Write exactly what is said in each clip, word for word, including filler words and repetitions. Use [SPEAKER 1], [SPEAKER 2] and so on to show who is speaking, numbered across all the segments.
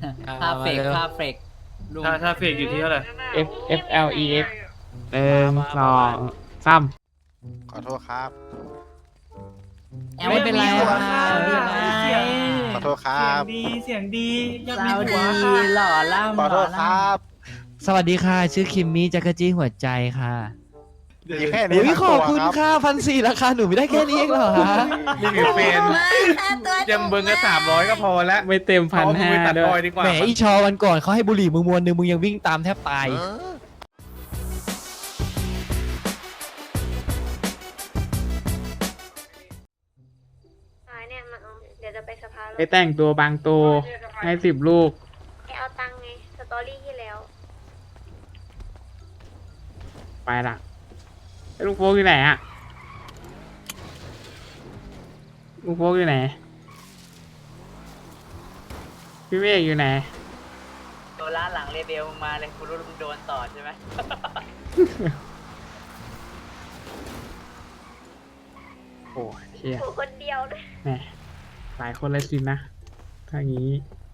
[SPEAKER 1] ค่าเฟกค่าเฟกลุง
[SPEAKER 2] ถ้าถ้าเฟกอยู่ที่เท่าไหร่
[SPEAKER 3] F F L E X หนึ่งสองสาม
[SPEAKER 4] ขอโทษครับ
[SPEAKER 1] ไม่เป็นไร
[SPEAKER 2] หัว
[SPEAKER 1] ค่ะ
[SPEAKER 2] ค่ะ
[SPEAKER 1] ไม่เป็นไร
[SPEAKER 2] เสียง
[SPEAKER 4] ขอโทษครับ
[SPEAKER 2] เสียงดีเสียงดีอยาก
[SPEAKER 1] สา
[SPEAKER 2] มี
[SPEAKER 1] ว
[SPEAKER 2] หัว
[SPEAKER 1] ดี
[SPEAKER 2] ค่ะ
[SPEAKER 1] หล่อล่ำ
[SPEAKER 4] ขอโทษ
[SPEAKER 1] หล่
[SPEAKER 4] ครับ
[SPEAKER 5] สวัสดีค่ะ ชื่อคิมมี่จักรจี้หัวใจค่ะ
[SPEAKER 4] มีแค่นี้
[SPEAKER 5] อุ้ย
[SPEAKER 4] ทั้ง
[SPEAKER 5] ขอบ
[SPEAKER 4] ตัว
[SPEAKER 5] คุณ
[SPEAKER 4] ครับ
[SPEAKER 5] ค่ะพันสี่ราคาหนูไม่ได้แค่นี้เองเหรอฮะ
[SPEAKER 6] นี่คือเป็นยังเบิ้งก็สามร้อยก็พอแล้ว
[SPEAKER 3] ไม่เต็มพันห้า
[SPEAKER 6] ไปตัด
[SPEAKER 3] ด้
[SPEAKER 6] บ
[SPEAKER 3] ว
[SPEAKER 6] อย
[SPEAKER 3] ย
[SPEAKER 6] ดีกว่า
[SPEAKER 5] แหมอีชอวันก่อนเขาให้บุหรี่มึงมวนหนึ่งมึงยังวิ่งตามแทบตาย
[SPEAKER 7] อ่าเนี่ยมาเอาเดี๋ยวจะไปสภาแล้ว
[SPEAKER 3] ไปแต่งตัวบางตัวให้สิบลูก
[SPEAKER 7] ไอเอาตังค์ไง สตอรี่ที่แล้ว
[SPEAKER 3] ไปละไอ้ลูกโฟกอยู่ไหนอะลูกโฟกอยู่ไหนพี่เมฆอยู่ไหน
[SPEAKER 1] โดนล้านหลังเรเบลมึงมาเลยกูรู้มึงโดนต่อใช่ไหม
[SPEAKER 3] โอ้เชี่ย
[SPEAKER 7] กูคนเดียวเลย
[SPEAKER 3] แหมหลายคนเลยสินะถ้างี้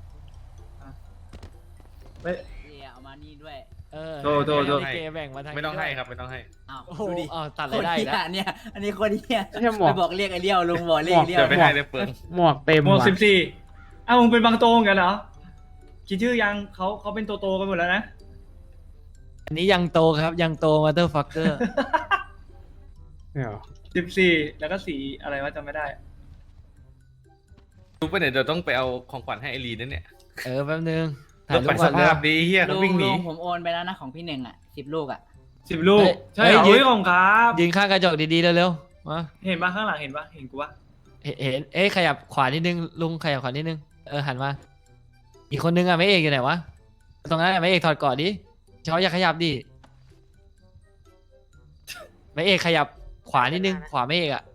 [SPEAKER 2] เฮ้ย
[SPEAKER 1] เนี่ยเอามานี่ด้วย
[SPEAKER 5] เออ
[SPEAKER 2] โทษโทษโทษ
[SPEAKER 5] ลิเกแบ่งมาทาง
[SPEAKER 6] ไม่ต้องให้ครับไม่ต้องให้
[SPEAKER 1] อ้าว
[SPEAKER 5] โอ้โห
[SPEAKER 1] ดูดิ
[SPEAKER 5] อ้าวตัด
[SPEAKER 1] ค
[SPEAKER 5] ราย
[SPEAKER 1] น
[SPEAKER 5] ได้
[SPEAKER 1] เหี้
[SPEAKER 5] แล้ว
[SPEAKER 1] ยเนี่ย อันนี้คนเหี้ย
[SPEAKER 3] ไม่ใช่หมว
[SPEAKER 1] ไป
[SPEAKER 3] ก
[SPEAKER 1] บอกเรียกไอ้เลี้ยวลุงบอกเรียกไอ้เลี้ยว
[SPEAKER 6] เดี๋ยวไปให้เลยเปลือง
[SPEAKER 3] หมวกเต็ม
[SPEAKER 2] หมวก
[SPEAKER 3] ว่ะ
[SPEAKER 2] สิบสี่อ้าวมึงเป็นบางโตงกันเหรอคิดชื่อยังเขาเขาเป็นโตโตๆกันหมดแล้วนะ
[SPEAKER 5] อันนี้ยังโตครับยังโตมาเตอร์ฟักเกอร์
[SPEAKER 3] เดี๋ยว
[SPEAKER 2] สิบสี่แล้วก็สีอะไรวะจำไม่ได้
[SPEAKER 6] รู้ปะเนี่ยเดี๋ยวต้องไปเอาของขวัญให้ไอรีนนั่นเนี่ย
[SPEAKER 5] เออแป๊บนึงถ่า
[SPEAKER 6] แล้
[SPEAKER 5] ยว รู
[SPEAKER 6] ไป
[SPEAKER 5] ป
[SPEAKER 6] ส
[SPEAKER 5] ก่อนเร็
[SPEAKER 6] ภาว พดีเฮีย
[SPEAKER 1] ลุ
[SPEAKER 6] เขา
[SPEAKER 1] ง
[SPEAKER 6] วิ่งห
[SPEAKER 1] ลุ
[SPEAKER 6] นี
[SPEAKER 1] งผมโอนไปแล้วนะของพี่หนึ่งอ่ะสิบลูกอ่ะ
[SPEAKER 2] สิบลูก
[SPEAKER 5] เฮ้ย
[SPEAKER 2] ใช่เหรอ
[SPEAKER 5] เฮ้ยยืน
[SPEAKER 2] เฮ้ยของครับ
[SPEAKER 5] ยืนข้างกระจกดีๆเร็วๆมา
[SPEAKER 2] เห็นปะข้างหลังเห็นปะเห็นกูปะ
[SPEAKER 5] เห็นเห็นเอ้ยขยับขวานิดนึงลุงขยับขวานิดนึงเออหันมาอีกคนนึงอ่ะไม่เอกอยู่ไหนวะตรงนั้นอะไม่เอกถอดก่อนดิเขาอย่าขยับดิไม่เอกขยับขวานิดนึงขวาไม่เอกอ่ะ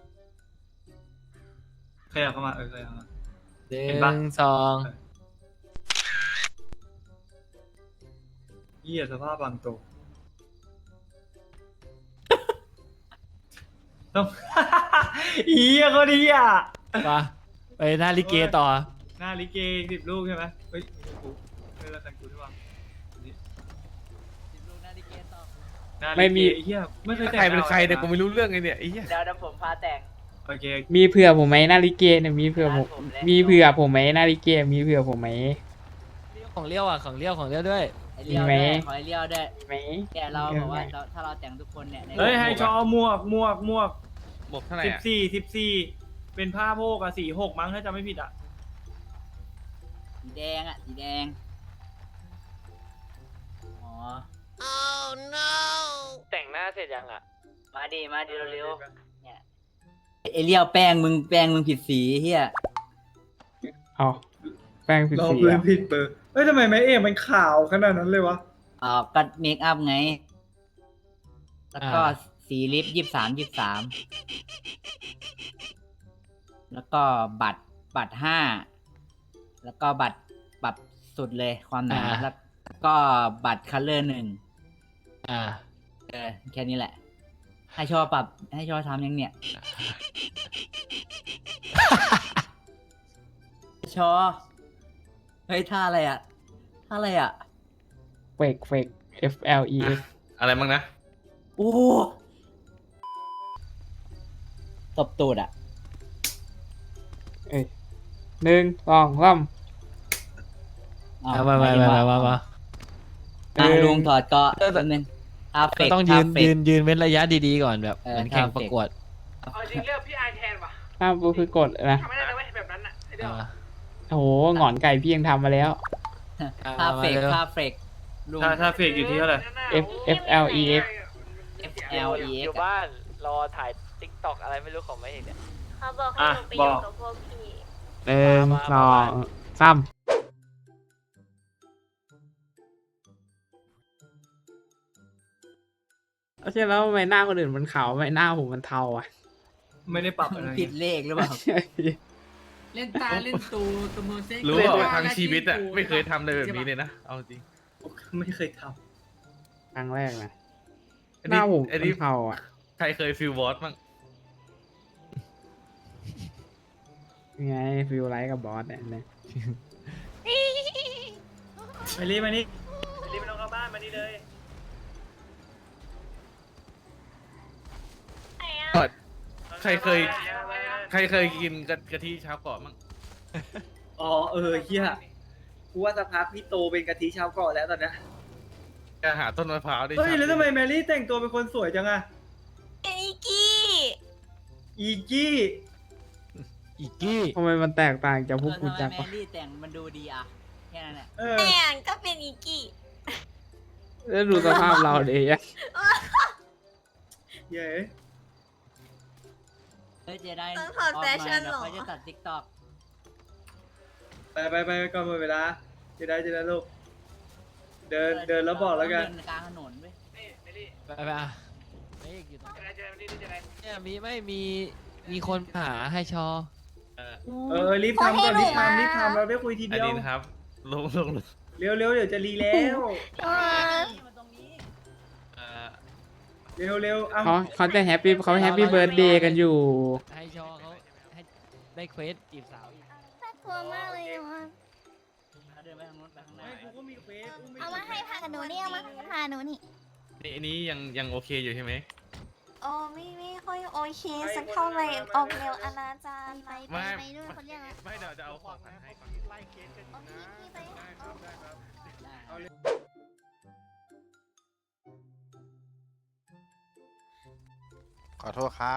[SPEAKER 2] ขยับเข้ามาเออขยับเข้ามา
[SPEAKER 5] หนึ่
[SPEAKER 2] เห็นปะ
[SPEAKER 5] งสอง
[SPEAKER 2] เยี่ยสภาพบางโตต้อง เยี่ยก็ดีอ่ะ
[SPEAKER 5] มาไปหน้าลิเกต่อ
[SPEAKER 2] หน้าลิเกสิบลูกใช่ไหมเฮ้ยไม่ใช่กูเฮ้ยแล้วแต่งกูด้วยวะ
[SPEAKER 1] สิบลูกหน้าดิเกตต่อ
[SPEAKER 2] หน้าลิเก
[SPEAKER 3] ไม่มี
[SPEAKER 2] เฮียไม่เคยแต่ง
[SPEAKER 6] ใครเป็นใครเนี่ยกู
[SPEAKER 2] หา
[SPEAKER 6] ไม่รู้เรื่องไงเนี่ยไอ้เหี้ย
[SPEAKER 1] เดี๋ยวเดี๋ยวผมพาแต่ง
[SPEAKER 2] โอเค
[SPEAKER 3] มีเผื่อผมไหมนาฬิเกเนี่ยมีเผื่อผม
[SPEAKER 1] ร้านผมเลย
[SPEAKER 3] มีเผื่อผมไหมนาฬิเกมีเผื่อผมไหม
[SPEAKER 5] ของเลี้ยวอ่ะของเลี้ยวของเลี้ยวด้วย
[SPEAKER 1] ไอ้เลี้ยว
[SPEAKER 3] มีไหม
[SPEAKER 1] ด้วยขอไอ้เลี้ยวด้วย
[SPEAKER 3] ไหม
[SPEAKER 1] แต่เราบอกว่าเราถ้าเราแต่งทุกคนเนี่ยใน
[SPEAKER 2] เฮ้ยให้ชอหมวกหมวกหมวก
[SPEAKER 6] หมดเท่าไหร่
[SPEAKER 2] สิบ
[SPEAKER 6] อะ
[SPEAKER 2] สี่สิบสี่เป็นผ้าโพกอะสี่หกมั้งถ้าจำไม่ผิดอะ
[SPEAKER 1] สีแดงอ่ะสีแดงอ๋อ
[SPEAKER 5] แต่งหน้าเสร็จยังอ่ะ
[SPEAKER 1] มาดิมาดิเร็วๆเนี่ยไอ้เลี้ยวแป้งมึงแป้งมึงผิดสีเฮีย
[SPEAKER 3] เอาแป้งผิด
[SPEAKER 2] เรา
[SPEAKER 3] สี
[SPEAKER 2] เพื่อ
[SPEAKER 3] อ่ะ
[SPEAKER 2] ผิดเบอร์เฮ้ยทำไมไม่เอ็มันขาวขนาดนั้นเลยวะ
[SPEAKER 1] อ่าก็เมคอัพไง แล้วก็
[SPEAKER 5] อ่า
[SPEAKER 1] สีลิปยี่สามยี่สามแล้วก็บัตรบัตรห้าแล้วก็บัตรปรับสุดเลยความหนาแล้วก็บัตรคัลเลอร์หนึ่ง
[SPEAKER 5] อ่า
[SPEAKER 1] เออแค่นี้แหละ ให้ชอบปรับให้ชอบทำยังเนี่ย ชอเฮ้ยท่าอะไรอ่ะท่าอะไรอ่ะ
[SPEAKER 3] เฟกเฟก F L E X
[SPEAKER 6] อะไรบ้างนะ
[SPEAKER 1] โอ้ตบตูดอ่ะ
[SPEAKER 3] เอ้ยหนึ่งสองสาม
[SPEAKER 5] เอามามามามามามา
[SPEAKER 1] อ่ะลุงถอดเก็แป๊บนึงอาเฟ
[SPEAKER 5] ก็
[SPEAKER 1] ก
[SPEAKER 5] ต้องยืน
[SPEAKER 1] เฟ
[SPEAKER 5] ยื
[SPEAKER 1] ก
[SPEAKER 5] นยืนเว้นระยะดีๆก่อนแบบ
[SPEAKER 1] เออ
[SPEAKER 5] เหมือนแข่ง
[SPEAKER 1] ท่าเฟก
[SPEAKER 5] ประกวด
[SPEAKER 8] เอาจริงเลือกพี่ไอแทนว่ะ
[SPEAKER 3] ถ้าปุ๊บคือกดนะ
[SPEAKER 8] ทำไม่ได้เลยเว้ยแบบนั้นอ่ะไอเดียว
[SPEAKER 5] อ่า
[SPEAKER 3] โอ้โหหงอนไก่พี่ยังทำมาแล้ว
[SPEAKER 1] ท่าเฟก
[SPEAKER 5] มาเร็ว
[SPEAKER 1] ท่าเฟกลุง
[SPEAKER 2] ถ้าถ้าเฟกอยู่ที่เท่าไหร่
[SPEAKER 3] F F L E X
[SPEAKER 1] F L E
[SPEAKER 5] อ
[SPEAKER 1] X
[SPEAKER 5] ยู่บ้านรอถ่ายติ๊กต็อกอะไรไม่รู้ของไม่เห็นเนี่ย
[SPEAKER 7] เขาบอกให้
[SPEAKER 2] อ่ะ
[SPEAKER 7] หนูไปอยู่
[SPEAKER 2] บอก
[SPEAKER 7] กับพวกพี่
[SPEAKER 3] หนึ่ง
[SPEAKER 5] มา
[SPEAKER 3] ส
[SPEAKER 5] มา
[SPEAKER 3] อง
[SPEAKER 5] มา
[SPEAKER 3] สามเอาใช่แล้วทำไมหน้าคนอื่นมันขาวทำไมหน้าผมมันเทาอ่ะ
[SPEAKER 2] ไม่ได้ปรับอะไร
[SPEAKER 1] ผิดเลขหรือเปล่า
[SPEAKER 8] เล่นตาเล่นตูตัวมือเซ็ก
[SPEAKER 6] รู้ว่าทั้งชีวิตอะไม่เคยทำอะไรแบบนี้เลยนะเอาจริง
[SPEAKER 2] ไม่เคยท
[SPEAKER 3] ครั้งแรกนะ
[SPEAKER 6] อัน
[SPEAKER 3] ห
[SPEAKER 6] นี้
[SPEAKER 3] น้าผม
[SPEAKER 6] อัน
[SPEAKER 3] มั
[SPEAKER 6] นี้
[SPEAKER 3] นเทาอ่ะ
[SPEAKER 6] ใครเคยฟิลวอตบ้าง
[SPEAKER 3] ยังไงฟิลไลท์กับบอสเนี่ยนะ
[SPEAKER 2] มาลีมานี่มาลีไม่ต้องเข้าบ้านมานี่เลย
[SPEAKER 7] ไหนอะ
[SPEAKER 6] ใครเคย ใครเคยกินกะกะทิชาวเกาะมั้ง
[SPEAKER 2] อ๋อเออเฮียกูว่าสักพักพี่โตเป็นกะทิชาวเกาะแล้วตอนเนี้ย
[SPEAKER 6] จะหาต้นมะพร้าวได้
[SPEAKER 2] เฮ้ย
[SPEAKER 6] ชา
[SPEAKER 2] แล้วทำไมแมรี่แต่งตัวเป็นคนสวยจังอะ
[SPEAKER 7] ไอ้กี้
[SPEAKER 2] อีกี้
[SPEAKER 5] อีกกี้
[SPEAKER 3] ทำไมมันแตกต่างจากพวก
[SPEAKER 1] เอ
[SPEAKER 3] กู
[SPEAKER 1] อทำ
[SPEAKER 3] จัง
[SPEAKER 1] ไมแม
[SPEAKER 3] วะ
[SPEAKER 1] รี่แต่งมันดูดีอะแค่นั้นแหละ
[SPEAKER 2] เออ
[SPEAKER 7] แต่งก็เป็นอีกี้
[SPEAKER 3] แล้วดูสภาพเราดิอะ
[SPEAKER 2] เย้
[SPEAKER 1] เฮ้ยเจได
[SPEAKER 7] ต้องถอดแฟชั่นเหรอ
[SPEAKER 1] เขาจะตัดติ๊กต็อก
[SPEAKER 2] ไปไปไปก่อนหมดเวลาจะได้จะได้ลูกเดินเดินแล้วบอกแล้วกัน
[SPEAKER 1] เดินกลางถนนเว้ย
[SPEAKER 5] ไปไปอ่ะไม่เอกอยู่ตรงเนี่ยมีไม่มีมีคนหาให้ชอ
[SPEAKER 6] เออ
[SPEAKER 2] เออรีบทำก่อนรีบทำรีบทำเราได้คุยที
[SPEAKER 6] อัน
[SPEAKER 2] เดียว
[SPEAKER 6] นี้นะครับลงลงลง
[SPEAKER 2] เร็วเร็วเดี๋ยวจะรีแล้ว
[SPEAKER 1] นี่มาตรงนี้
[SPEAKER 6] เอ่อ
[SPEAKER 2] เร็วเร็วเอา
[SPEAKER 3] เขาเขาจะแฮปปี้เขาแฮปปี้เบิร์ดเดย์กันอยู่
[SPEAKER 5] ให้ชอเขาให้ได้เควสจีบสาวอีก
[SPEAKER 7] น่ากลัวมากเลยว่ะ
[SPEAKER 1] เขาเดินไปทางนู้นไปข้างหน้า
[SPEAKER 2] ไม่กูก็มีเควสกู
[SPEAKER 7] เอามาให้พาหนูนี่เอามาให้พาหนูนี่
[SPEAKER 6] นี่อันนี้ยังยังโอเคอยู่ใช่ไหม
[SPEAKER 7] โอ้ไม่ไม่ค่อยโอเคสักเท่าไหร่ออกแนวอนาจารไปไป
[SPEAKER 6] ไม่
[SPEAKER 7] ไปด้วยคนเรียกอะ
[SPEAKER 6] ไม่เดี๋ยวจะเอาของขวัญให้ก่อน
[SPEAKER 7] โอเคพี่ไป
[SPEAKER 6] ได้ครับได้ครับ
[SPEAKER 2] เอาเลย
[SPEAKER 4] ขอโทษครับ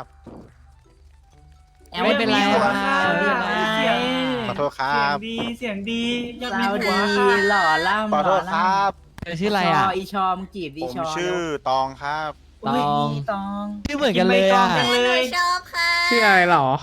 [SPEAKER 5] ไม่เป็นไร
[SPEAKER 2] หัว
[SPEAKER 5] ค่ะ
[SPEAKER 2] ค่ะ
[SPEAKER 1] ไม่เป็นไร
[SPEAKER 2] เสียง
[SPEAKER 4] ขอโทษครับ
[SPEAKER 2] เสียงดีเสียงดีอยากมี
[SPEAKER 1] สาว
[SPEAKER 2] หั
[SPEAKER 1] ดี
[SPEAKER 2] วค่ะ
[SPEAKER 1] หล่อล่ำ
[SPEAKER 4] ขอโทษครับ
[SPEAKER 5] เธอชื่ออะไรอ่ะ
[SPEAKER 1] ชอีชอมงจีบดี
[SPEAKER 4] ผม
[SPEAKER 1] ชอ
[SPEAKER 4] ชื่อตองครับ
[SPEAKER 1] ตอง
[SPEAKER 2] ยตอง
[SPEAKER 5] ชื่อเหมือนกันเลยอ่ะ
[SPEAKER 2] กินใบตองจัง
[SPEAKER 7] ห
[SPEAKER 2] เล
[SPEAKER 7] นู
[SPEAKER 2] ย
[SPEAKER 7] ชอบค่ะ
[SPEAKER 3] ชื่ออะไรหรอ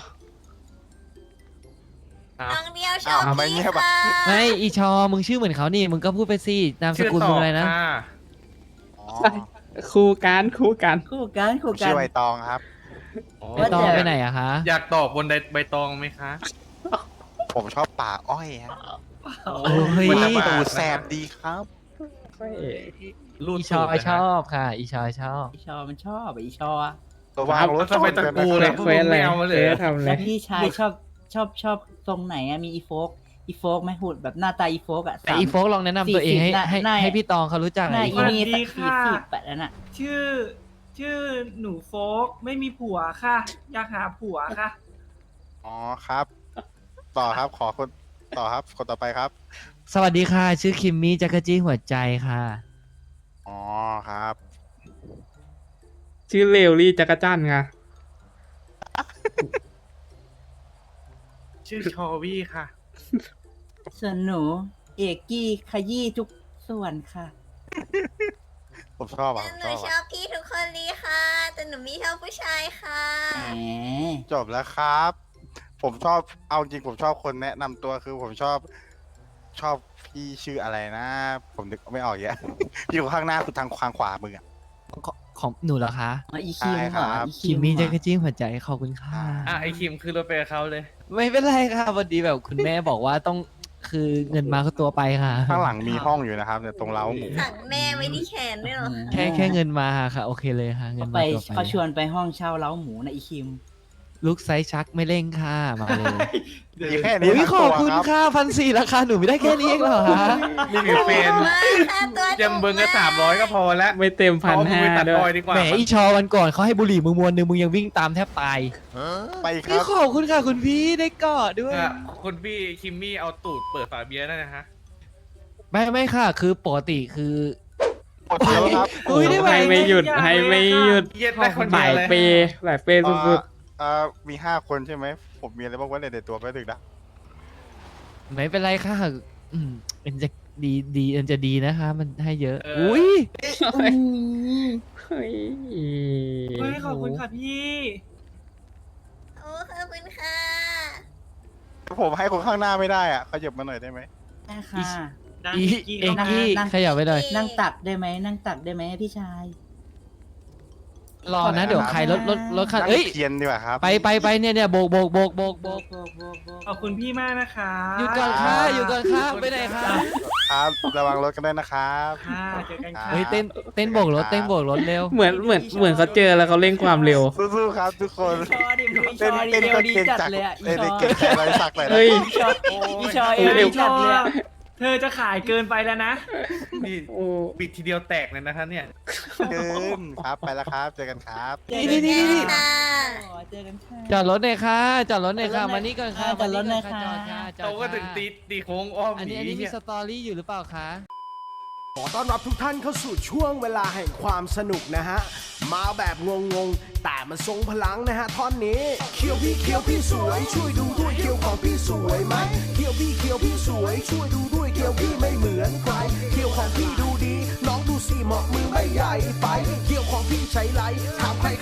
[SPEAKER 6] ครับ
[SPEAKER 7] น้องเดียวชอบ
[SPEAKER 4] อ้าวทำไมเงี
[SPEAKER 7] พี่
[SPEAKER 4] ยบอะ
[SPEAKER 7] ค่ะ
[SPEAKER 5] ไม่อีชอมึงชื่อเหมือนเขานี่มึงก็พูดไปสินามส
[SPEAKER 6] ชื่อ
[SPEAKER 5] กุล
[SPEAKER 6] ต่
[SPEAKER 5] มึ
[SPEAKER 6] อง
[SPEAKER 5] อะไรนะ
[SPEAKER 6] ค่ะ
[SPEAKER 4] อ๋อ
[SPEAKER 3] คู่กันคู่กัน
[SPEAKER 1] คู่กัน
[SPEAKER 4] ผ
[SPEAKER 1] คู่
[SPEAKER 4] ม
[SPEAKER 1] กั
[SPEAKER 4] ชื่
[SPEAKER 1] น
[SPEAKER 4] อใบตองครับ
[SPEAKER 6] อ๋อ
[SPEAKER 5] ไอตองไปไหนอะคะ
[SPEAKER 6] อยากตอบบนใบตองไหมคะ
[SPEAKER 4] ผมชอบป่าอ้อยฮะ
[SPEAKER 5] โอ้ย
[SPEAKER 4] มันจะตูดแสบดีครับ
[SPEAKER 6] รูด
[SPEAKER 5] อีชอ
[SPEAKER 6] ตูดนะ
[SPEAKER 5] ชอบค่ะ อีชอชอบ
[SPEAKER 1] อีชอมันชอบอะอีชออะ
[SPEAKER 4] ระวังรถ
[SPEAKER 6] ทำไมตะกูเลย
[SPEAKER 3] เควสอะไร
[SPEAKER 6] ไม่เอามาเลย
[SPEAKER 3] เควสทำอะไร
[SPEAKER 1] แล้วพี่ชายชอบชอบชอบตรงไหนอะมีอีโฟกอีโฟกไหมหุ่นแบบหน้าตาอีโฟกอะ
[SPEAKER 5] แต่อีโฟกลองแนะนำตัวเองให้
[SPEAKER 1] สี่สิบ
[SPEAKER 5] ให้
[SPEAKER 1] หน้า
[SPEAKER 5] ให้พี่ตองเขารู้จัก
[SPEAKER 1] ห
[SPEAKER 5] หน่
[SPEAKER 1] น้า
[SPEAKER 5] อย
[SPEAKER 1] อี
[SPEAKER 5] อีโฟก
[SPEAKER 1] นี่สักสี่สิบแปดนั่นอะ
[SPEAKER 2] ชื่อ ชื่อหนูโฟกไม่มีผัวค่ะ อยากหาผัวค่ะ
[SPEAKER 4] อ๋อครับ ต่อครับขอคนต่อครับคนต่อไปครับ
[SPEAKER 5] สวัสดีค่ะ ชื่อคิมมี่จักรจี้หัวใจค่ะ
[SPEAKER 4] อ๋อครับ
[SPEAKER 3] ชื่อเลวลี่จักรจันทร์ไง
[SPEAKER 6] ชื่อชอวี่ค่ะ
[SPEAKER 1] ส่วนหนูเอกกี้ขยี้ทุกส่วนค่ะ
[SPEAKER 4] ผมชอบอ่ะผม
[SPEAKER 7] ห
[SPEAKER 4] ช
[SPEAKER 7] นู
[SPEAKER 4] อบ
[SPEAKER 7] ช
[SPEAKER 4] อะ
[SPEAKER 7] อบพี่ทุกคนเลยค่ะ แต่หนูไม่ชอบผู้ชายค่ะ
[SPEAKER 1] แหม
[SPEAKER 4] จบแล้วครับ ผมชอบเอาจริงผมชอบคนแนะนำตัวคือผมชอบชอบพี่ชื่ออะไรนะ ผมนึกไม่ออกเยอะ พี่อยู่ข้างหน้าคือทางทางขวามืออะ
[SPEAKER 5] ของของหนูเหรอคะ
[SPEAKER 1] อ๋ออีคิม
[SPEAKER 4] ใช่
[SPEAKER 1] เห
[SPEAKER 4] ครั
[SPEAKER 1] รอบ อี
[SPEAKER 5] คิมมี่
[SPEAKER 1] เหร
[SPEAKER 5] จั
[SPEAKER 1] อก
[SPEAKER 5] รจี้หัวใจขอบคุณค่ะ
[SPEAKER 6] อ่ะไอคิมคือรถไปกับเขาเลย
[SPEAKER 5] ไม่เป็นไรค่ะพอดีแบบคุณแม่บอกว่าต้องคือเงินมาก็ตัวไปค่ะ
[SPEAKER 4] ข้างหลังมีห้องอยู่นะครับเนี่ยตรงเล้าหมู
[SPEAKER 7] สั่งแม่ไว้ที่แขนด้วยเหรอ
[SPEAKER 5] แค่แค่เงินมาค่ะ โอเคเลยค่ะ เงิน
[SPEAKER 1] เขาไป
[SPEAKER 5] มาตัวไป
[SPEAKER 1] เขาชวนไปห้องเช่าเล้าหมูนะอีคิม
[SPEAKER 5] ลูกไซส์ชักไม่เร่งค่ะมาเลย
[SPEAKER 4] มีแค่นี้
[SPEAKER 5] อุ้ย
[SPEAKER 4] ทั้ง
[SPEAKER 5] ขอ
[SPEAKER 4] ตั
[SPEAKER 5] บ
[SPEAKER 4] ว
[SPEAKER 5] คุณ
[SPEAKER 4] ครับ
[SPEAKER 5] ค่ะพันสี่ราคาหนูไม่ได้แค่นี้เองเหรอคะ
[SPEAKER 6] มีหรือเป็น
[SPEAKER 7] มากค่ะตัว
[SPEAKER 6] ยังเบิ้งก็สามร้อยก็พอแล้ว
[SPEAKER 3] ไม่เต็มพัน
[SPEAKER 6] เอามึง
[SPEAKER 3] ห้า
[SPEAKER 6] ไปตัด
[SPEAKER 3] ด้
[SPEAKER 6] บ
[SPEAKER 3] ว
[SPEAKER 6] อย
[SPEAKER 3] ย
[SPEAKER 6] ดีกว่า
[SPEAKER 5] แหมอีชอวันก่อนเขาให้บุหรี่มึงมวนหนึ่งมึงยังวิ่งตามแทบตาย
[SPEAKER 4] ไปค
[SPEAKER 5] พี่
[SPEAKER 4] รับ
[SPEAKER 5] ขอบคุณค่ะคุณพี่ได้กอดด้วย
[SPEAKER 6] อ่ะคุณพี่คิมมี่เอาตูดเปิดฝาเบียร์ได้นะฮะ
[SPEAKER 5] ไม่ไม่ค่ะ คือปกติคือ
[SPEAKER 4] หมดแล้วครับ
[SPEAKER 5] อุ้ยได้ไหม
[SPEAKER 3] ให้ไม่หยุดให้ไม่หยุด
[SPEAKER 6] เย็ดได้คน
[SPEAKER 3] ห
[SPEAKER 6] เดีย
[SPEAKER 3] ลา
[SPEAKER 6] วย เลย
[SPEAKER 3] เปย์หลายเปย์สุด
[SPEAKER 4] เอ่อเอ่อมีห้าคนใช่ไหม ผมมีอะไรบ้างวะในตัวไปถึงนะ
[SPEAKER 5] ไม่เป็นไรค่ะอืมมันจะดีดีมันจะดีนะคะ มันให้เยอะ
[SPEAKER 6] เอออุ้
[SPEAKER 5] อุ้ย
[SPEAKER 3] ๆเฮ้ย
[SPEAKER 2] เฮ้ยขอบคุณค่ะพี่
[SPEAKER 7] โอ้ขอบคุณค่ะ
[SPEAKER 4] ผมให้คนข้างหน้าไม่ได้อ่ะขยับมาหน่อยได้ไหม
[SPEAKER 1] ได้ค่ะ
[SPEAKER 2] นั่ง
[SPEAKER 5] อี
[SPEAKER 2] กี้
[SPEAKER 5] เอ็ก
[SPEAKER 2] เข้ามา
[SPEAKER 5] กี้
[SPEAKER 1] นั่ง
[SPEAKER 5] ขยับไปหน่อย
[SPEAKER 1] นั่งตักได้ไหมนั่งตักได้ไหมพี่ชาย
[SPEAKER 5] รอนะเดี๋ยวใครรถรถรถคัน
[SPEAKER 4] นั่ง
[SPEAKER 5] เอ้ย
[SPEAKER 4] เทียนดีกว่าครับ
[SPEAKER 5] ไปไปไปเนี่ยเนี่ยโบกโบกโบกโบกโบ
[SPEAKER 1] โบ
[SPEAKER 5] ก
[SPEAKER 1] กโบกโบกโบก
[SPEAKER 2] ขอบคุณพี่มากนะคะ
[SPEAKER 5] หยุดก่อนค่ะหยุดก่อนค่ะไปไหนคะ
[SPEAKER 4] ครับ ระวังรถกันด้วยนะครับ
[SPEAKER 2] ค่ะเจอกันค่ะ
[SPEAKER 5] เฮ้ยเต้นเต้นโบกรถเต้นโบกรถเร็ว
[SPEAKER 3] เหมือนเหมือนเหมือนเขาเจอแล้วเขาเร่งความเร็ว
[SPEAKER 4] สู้ๆครับทุกคน
[SPEAKER 1] อีชอดิมึงอีช
[SPEAKER 4] เต้น
[SPEAKER 1] อดิ
[SPEAKER 4] เต้น
[SPEAKER 1] เร็ว
[SPEAKER 4] ก็
[SPEAKER 1] ดี
[SPEAKER 4] เก่ง
[SPEAKER 1] จัด
[SPEAKER 4] จัก
[SPEAKER 1] เลยอะอี
[SPEAKER 4] เต้น
[SPEAKER 1] ชอ
[SPEAKER 4] เก่งใจไรสักเลยนะ
[SPEAKER 3] เฮ้ย
[SPEAKER 1] อีชออีชอเอวดีจัดเลยอะ
[SPEAKER 9] เธอจะขายเกินไปแล้วนะ
[SPEAKER 6] นี่
[SPEAKER 2] โอ้
[SPEAKER 6] บิดทีเดียวแตกเลยนะคะเนี่ย
[SPEAKER 4] เดินครับไปแล้วครับเจอกันครับ
[SPEAKER 1] นี่นี่นี่นี่
[SPEAKER 7] ค่ะ
[SPEAKER 1] เจอกันค่ะ
[SPEAKER 5] จอดรถหน่อยค่ะจอดรถหน่อยค่ะมานี่ก่อนค่ะ
[SPEAKER 1] จอดรถหน่อย
[SPEAKER 5] มา
[SPEAKER 1] ค่ะ
[SPEAKER 5] จอดค่ะจอด
[SPEAKER 6] เราก็
[SPEAKER 5] ค่ะ
[SPEAKER 6] ถึงตีตีโค้งอ้อม
[SPEAKER 5] อัน
[SPEAKER 6] หนี
[SPEAKER 5] นี้อันนี้มี
[SPEAKER 6] เนี่ย
[SPEAKER 5] สตอรี่อยู่หรือเปล่าคะ
[SPEAKER 10] ขอต้อนรับทุกท่านเข้าสู่ช่วงเวลาแห่งความสนุกนะฮะ มาแบบงงๆ แต่มันทรงพลังนะฮะท่อนนี้เคียวพี่เคียวพี่สวย ช่วยดูด้วยเคียวของพี่สวยไหมเคียวพี่เคียวพี่สวย ช่วยดูด้วยเคียวพี่ไม่เหมือนใครเคียวของพี่ดูดี น้องดูสิเหมาะมือไม่ใหญ่ไปเคียวของพี่ใช้ไหลถามใคร